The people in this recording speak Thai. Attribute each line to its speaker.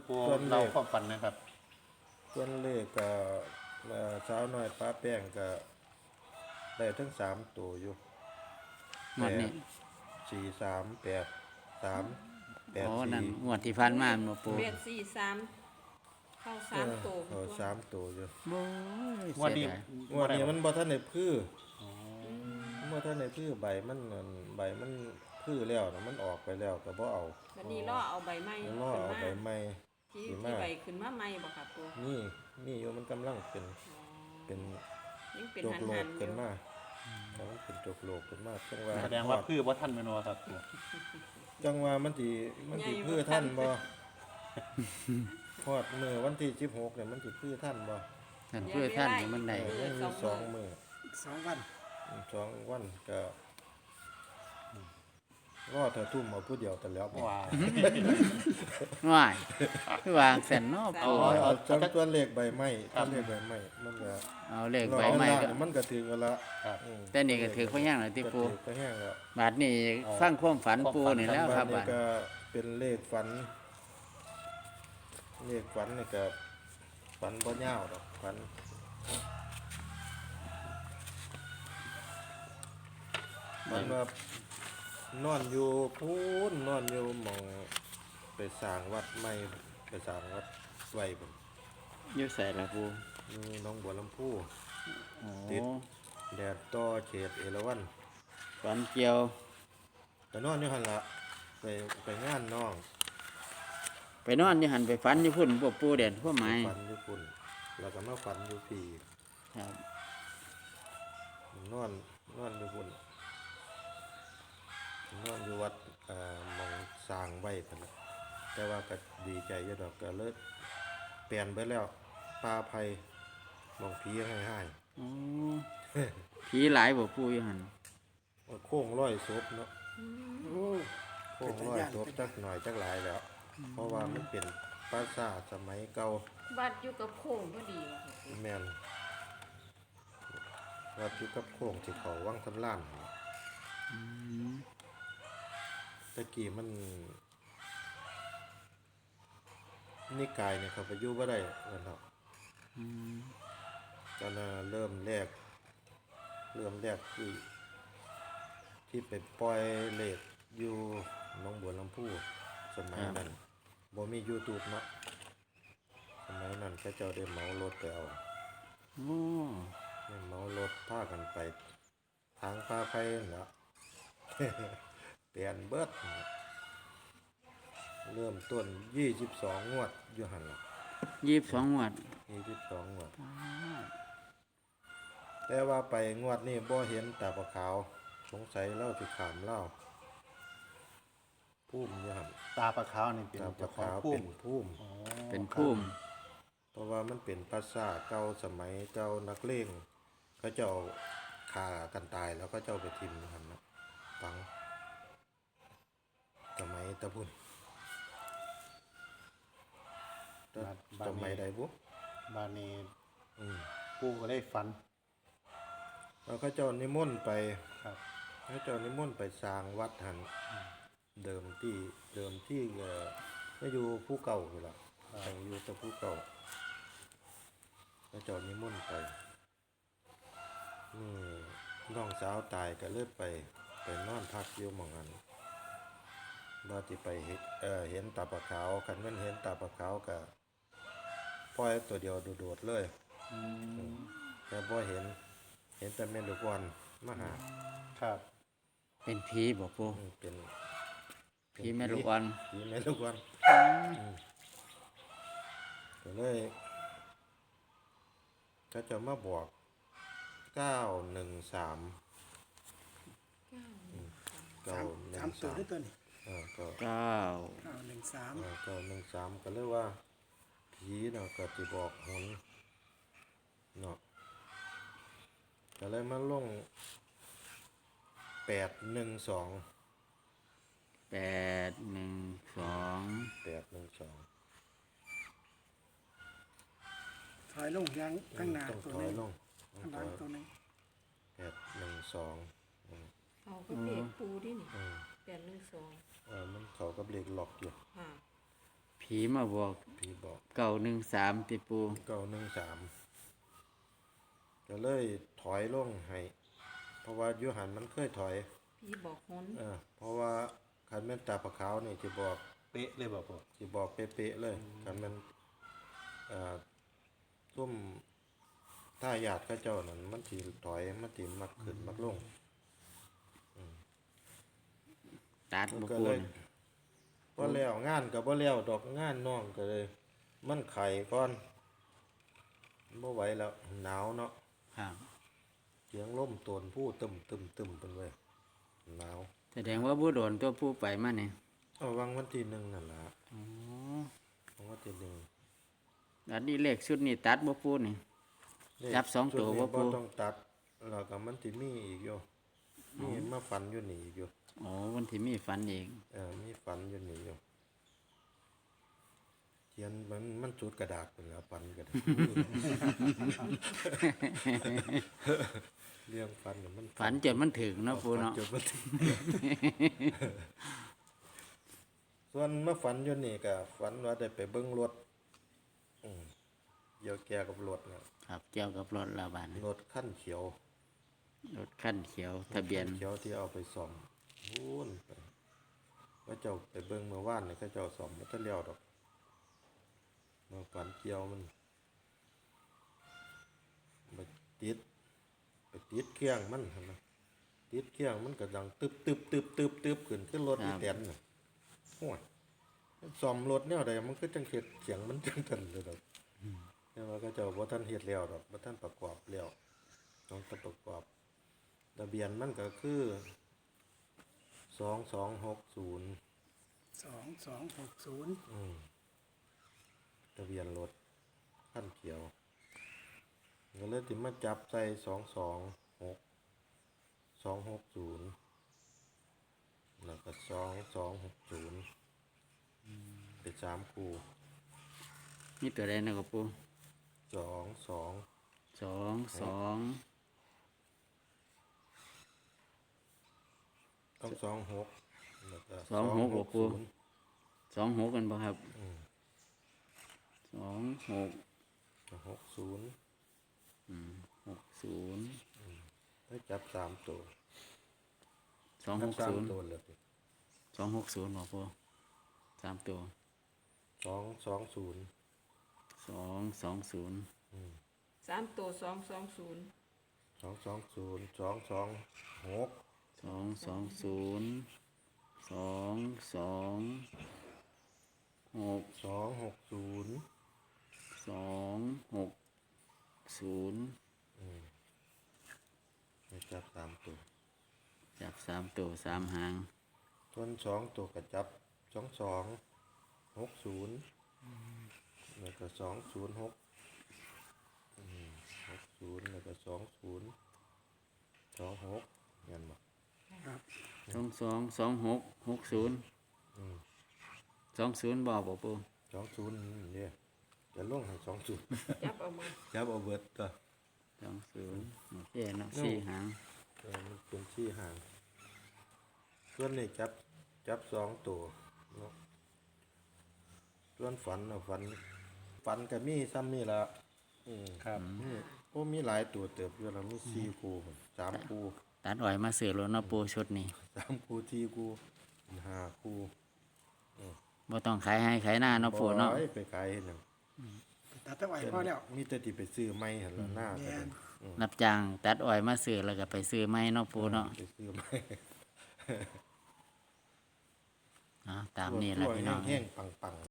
Speaker 1: ปูเราความฝันนะครับ
Speaker 2: ส่วนเลขก็สาวน้อยป้าแป้งก็ได้ทั้ง3ตัวอยู่
Speaker 3: งวดนี้
Speaker 2: 4 3 8 3
Speaker 3: อ๋อ
Speaker 2: 8
Speaker 3: นั่นง
Speaker 2: 4
Speaker 3: วดที่ผ่านมาบ่ปู
Speaker 4: 843เข้า3ตัว
Speaker 2: เขา3ตัวอยู่
Speaker 3: โอ้ย
Speaker 1: งวด
Speaker 3: เสี
Speaker 1: นี้
Speaker 3: ยดาย
Speaker 2: งวดนี้มันบ่ทันได้พืชเมื่อท่านในพืชใบมันพืชแล้วนะมันออกไปแล้วก็บ่เอา
Speaker 4: วันนี้ล่อเอาใบไม้
Speaker 2: ล่อเอาใบไม้
Speaker 4: ที่ใบขึ้นมาใหม่บ่ครับปู
Speaker 2: นี่อยู่มันกำลังเป็น
Speaker 4: ยังเป็น
Speaker 2: โจก
Speaker 4: หัน
Speaker 2: โล
Speaker 4: หั
Speaker 2: ก
Speaker 4: นอ
Speaker 2: ขึ้น
Speaker 4: ยู่
Speaker 2: มาแต่มันเป็นโจกโลกขึ้นมาจังว่า
Speaker 1: แสดงว่าพืชบ่ทันแม่นบ่ครับปู
Speaker 2: จังว่ามันสิพืชท่านบ่ฮอดมื้อวันที่16เนี่ยมันสิพืชท่านบ่
Speaker 3: ท่านเพื่อท่านให้มันได้
Speaker 2: ยังมี2มื้อ
Speaker 5: 2 วัน
Speaker 2: 2 วันก็รอเธอทุ่มเอาผู้เดียวแต่แล้วบ่
Speaker 1: ว้า
Speaker 3: ว้ายคือวางแสนเนาะปู
Speaker 2: เอาจังตัวเลขใบไม้ตัวเลขใบไม้มันก็
Speaker 3: เอาเลขใบไม้ก็
Speaker 2: มันก็ถือกันละ
Speaker 3: แต่นี่ก็ถือพยังแล้วที่ปู
Speaker 2: ก็แห้งแล้ว
Speaker 3: บาดนี้ฟังความฝันปูนี่แล้วครับ
Speaker 2: นี่
Speaker 3: บาด
Speaker 2: ก็เป็นเลขฝันนี่ก็ฝันบ่ยาวดอกฝันมันว่านอนอยู่พูนนอนอยู่หมองไปสร้างวัดใหม่ไปสร้างวัดไว้พุ่น
Speaker 3: อยู่ใส่ละปู
Speaker 2: นี่หน้องบัวลำพู
Speaker 3: โอ้
Speaker 2: ติดแดดต่อเขตเอราวัณ
Speaker 3: ฝันเกี่ยว
Speaker 2: ก็นอนอยู่หั่นละไปงานน้อง
Speaker 3: ไปนอนอยู่หันไปฝันอยู่พุ่นพวกปูเด่นพวกไม้
Speaker 2: ฝันอยู่ปุ่นแล้วก็มาฝันอยู่พี่
Speaker 3: ครับ
Speaker 2: นอนอยู่ปุ่นนอนอยู่วัดหมองสร้างไว้พุ่นน่ะแต่ว่าก็ดีใจอยู่ดอกก็เลิกเปลี่ยนไปแล้วป่าไผ่หมองผีให้
Speaker 3: โอ้ผีหลายบ่ปูอยู่หัน
Speaker 2: โค้งร้อยศพเนาะ
Speaker 5: โอ้
Speaker 2: โค้งร้อยศพจักหน่อยจักหลายแล้ว เพราะว่ามันเป็นปราสาทสมัยเก่า
Speaker 4: บัดอยู่กับโค้งพอดีว่ะครับปู
Speaker 2: แม่นวัดอยู่กับโค้งที่เขาวังสำล้านหั่นล่ะ
Speaker 3: อืม
Speaker 2: ตะกี้มันนิกายเนี่ยเขาไปอยู่บ่ได้นั่นเนาะ
Speaker 3: อืม
Speaker 2: ตอนนั้นเริ่มแรกที่ไปปล่อยเลขอยู่หนองบัวลำพูสมัยนั้นบ่มี YouTube เนาะสมัยนั้นเขาเจ้าได้เหมารถไปเอา
Speaker 3: โอ้
Speaker 2: ได้เหมารถพากันไปทางพาไปนั่นล่ะ เปลี่ยนเบิดเริ่มต้น22งวดอยู่หั่นล่ะ
Speaker 3: 22งวด
Speaker 2: 22งวดแต่ว่าไปงวดนี้บ่เห็นตาปะขาวสงสัยเล่าสิขามเล่าพุ่มอยู่หั่น
Speaker 1: ตาปลาขาวนี่เป็น
Speaker 2: ตาป
Speaker 1: เจ้า
Speaker 2: ะ
Speaker 1: ของ
Speaker 2: ขาว
Speaker 1: พุ่
Speaker 2: เป็
Speaker 1: ม
Speaker 2: นพุ่ม
Speaker 1: อ๋อ
Speaker 3: เป็นพุ่ม
Speaker 2: เพราะว่ามันเป็นปราสาทเก่าสมัยเจ้านักเลงเขาเจ้าฆ่ากันตายแล้วก็เจ้าไปทิ่มหั่นเนาะฝังสมัยตะพุ่นสมัยใดบุ
Speaker 1: บานนี้
Speaker 2: อืม
Speaker 1: ปูก็ได้ฝัน
Speaker 2: แล้วเขาเจ้านิมนต์ไป
Speaker 1: ครับ
Speaker 2: เขาเจ้านิมนต์ไปสร้างวัดหันเดิมที่ไม่อยู่ผู้เก่าอยู่ละแต่อยู่แต่ผู้เก่าเขาเจ้านิมนต์ไปนี่น้องสาวตายก็เลยไปนอนพักอยู่หม่องนั้นว่าที่ไปเห็นตาปะขาวคันแม่นเห็นตาปะขาวก็ปล่อยตัวเดียวโดดๆเลย
Speaker 3: อืม
Speaker 2: แต่พอเห็นแต่แม่ลูกอ่อนมาหา
Speaker 1: ครับ
Speaker 3: เป็นผีบ่ปู
Speaker 2: เป็น
Speaker 3: ผีแม่ลูกอ่อน
Speaker 2: ผีแม่ลูกอ่อนก็เลยก็จะมาบอก913
Speaker 5: 3ตัวด้วยตัวนี้
Speaker 2: ก็
Speaker 3: เก้า
Speaker 5: 913
Speaker 2: 913ก็เลยว่าผีเนาะก็สิบอกหนเนาะก็เลยมาลง812
Speaker 3: 812
Speaker 5: ถอยลงยังข้างหน้า
Speaker 2: ต้อง
Speaker 5: ตัว
Speaker 2: ถอ
Speaker 5: นึ
Speaker 2: ย
Speaker 5: ง
Speaker 2: ลง
Speaker 5: ข้างหลังตัวนึง
Speaker 2: 812
Speaker 4: เอาก็เลขปูดินี่812
Speaker 2: มันเขากับเลขหลอกอยู่
Speaker 4: ค่ะ
Speaker 3: ผีมาบอก
Speaker 2: ผีผีบอก
Speaker 3: 913ติปู
Speaker 2: 913ก็เลยถอยลงให้เพราะว่าอยู่หันมันเคยถอย
Speaker 4: พี่บอกหน
Speaker 2: เพราะว่าคันแม่นตาปลาขาวนี่จะบอก
Speaker 1: เป๊ะเลยบ่ปู
Speaker 2: สิบอกเป๊ะๆเลยคันแม่นซุ่มถ้าญาติเขาเจ้านั่นมันสิถอยมันสิมักขึ้นมักลง
Speaker 3: ตัดบ่
Speaker 2: ก็
Speaker 3: ปู
Speaker 2: เลยบ่แล้วงานก็บ่แล้วดอกงานน้องก็เลย มันไข่ก่อนบ่ไหวแล้วหนาวเนาะ
Speaker 3: ครับ
Speaker 2: เสียงลมโตนผู้ตึมเป็นเว้ยหนาว
Speaker 3: แสดงว่าบ่โดนตัวปูไปมานี่
Speaker 2: เอาวังวันที่หนึ่งนั่นล่ะ
Speaker 3: อ๋อ
Speaker 2: วันที่หนึ่ง
Speaker 3: อันนี้เลขชุดนี้ตัดบ่ปูนี่ จับสองตัว
Speaker 2: ชุดนี้
Speaker 3: บ่ปู่
Speaker 2: ต้องตัดแล้วก็มันสิมีอีกอยู่มีมาฝันอยู่นี่อีกอยู่
Speaker 3: อ๋อวันที่มีฝันเอง
Speaker 2: มีฝันอยู่นี่อยู่เขียนมันจุดกระดาษเป็นแล้วฝันก็ได้ เรื่องฝันน่ะมัน
Speaker 3: ฝันจนมันถึงเนาะปูเนาะ
Speaker 2: ฝัจมันถึง ส่วนมาฝันอยู่นี่ก็ฝันว่าได้ไปเบิ่งรถเกี่ยวแก่กับรถเนี่ย
Speaker 3: ครับเกี่ยวกับรถลาบาน
Speaker 2: รถขั้นเขียว
Speaker 3: รถคันเขียวทะเบียน
Speaker 2: เขียวที่เอาไปซ่อมวู้นไปว่าเจ้าไปเบิ่งเมื่อวานนี่เขาเจ้าซ่อมมันจะเลี้ยวดอกมาฝันเกี่ยวมันไปติดเครื่องมันหั่นนะติดเครื่องมันก็ดังตึบขึ้นรถอีแตนน่ะโอ้ยมันซ่อมรถแนวใดมันก็จังเฮ็ดเสียงมันจังทันเลยดอกแต่ว่าเขาเจ้าบ่ทันเฮ็ดแล้วดอกบ่ทันประกอบแล้วต้องประกอบทะเบียนมันก็คือ2260
Speaker 5: 2260
Speaker 2: ทะเบียนรถขั้นเขียวก็เลยถึงมาจับใส่260แล้วก็2260เป็น3คู่
Speaker 3: มีตัวใดนะครับปู
Speaker 2: 22
Speaker 3: 22
Speaker 2: ต้อง26แล้วก็
Speaker 3: 26บ่ปู่
Speaker 2: 260
Speaker 3: 26กันบ่ครับ26
Speaker 2: 60
Speaker 3: 60
Speaker 2: ให้จับ3ตัวจับ
Speaker 3: 260
Speaker 2: 3ตัวเลย
Speaker 3: 260บ่ปู3ตัว
Speaker 2: 220
Speaker 3: 220
Speaker 4: 3ตัว220
Speaker 2: 220 226
Speaker 3: 220 226
Speaker 2: 260
Speaker 3: 260
Speaker 2: ให้จับ3ตัว
Speaker 3: จับ3ตัว3หาง
Speaker 2: ส่วน2ตัวก็จับ2260แล้วก็206 60แล้วก็20 26เห็นบ่
Speaker 5: ครับ
Speaker 3: 22 26 60 20บ่บ่ปู
Speaker 2: 20เนี่ยจะลงให้20
Speaker 4: จับเอามือ
Speaker 2: จับเอาเบิดตัว
Speaker 3: 20โอเคเนาะ4หาง
Speaker 2: มันเป็นชี้ห่างส่วนนี้จับ2ตัวเนาะส่วนฝันน่ะฝันก็มีซ้ำนี่ล่ะ
Speaker 1: ครับ
Speaker 2: โอ้มีหลายตัวเติบอยู่แล้วมี4คู่3คู่
Speaker 3: ตัดอ้อยมาซื้อรถเนาะปูชุดนี้
Speaker 2: 3คู่4คู่5คู่
Speaker 3: บ่ต้องขายให้ขายหน้าเนาะปูเนาะ
Speaker 2: บ่ไปขายเฮ็ดหยัง
Speaker 5: ตัดตะไว้พอแล้ว
Speaker 2: มีแต่ที่ไปซื้อไม้หั่นล่ะหน้าก็ได้
Speaker 3: รับจ้างตัดอ้อยมาซื้อแล้วก็ไปซื้อไม้เนาะปูเนาะ
Speaker 2: ไปซื้อไม้
Speaker 3: ตามนี้แหละพี่น้อง
Speaker 2: แห้งๆปังๆ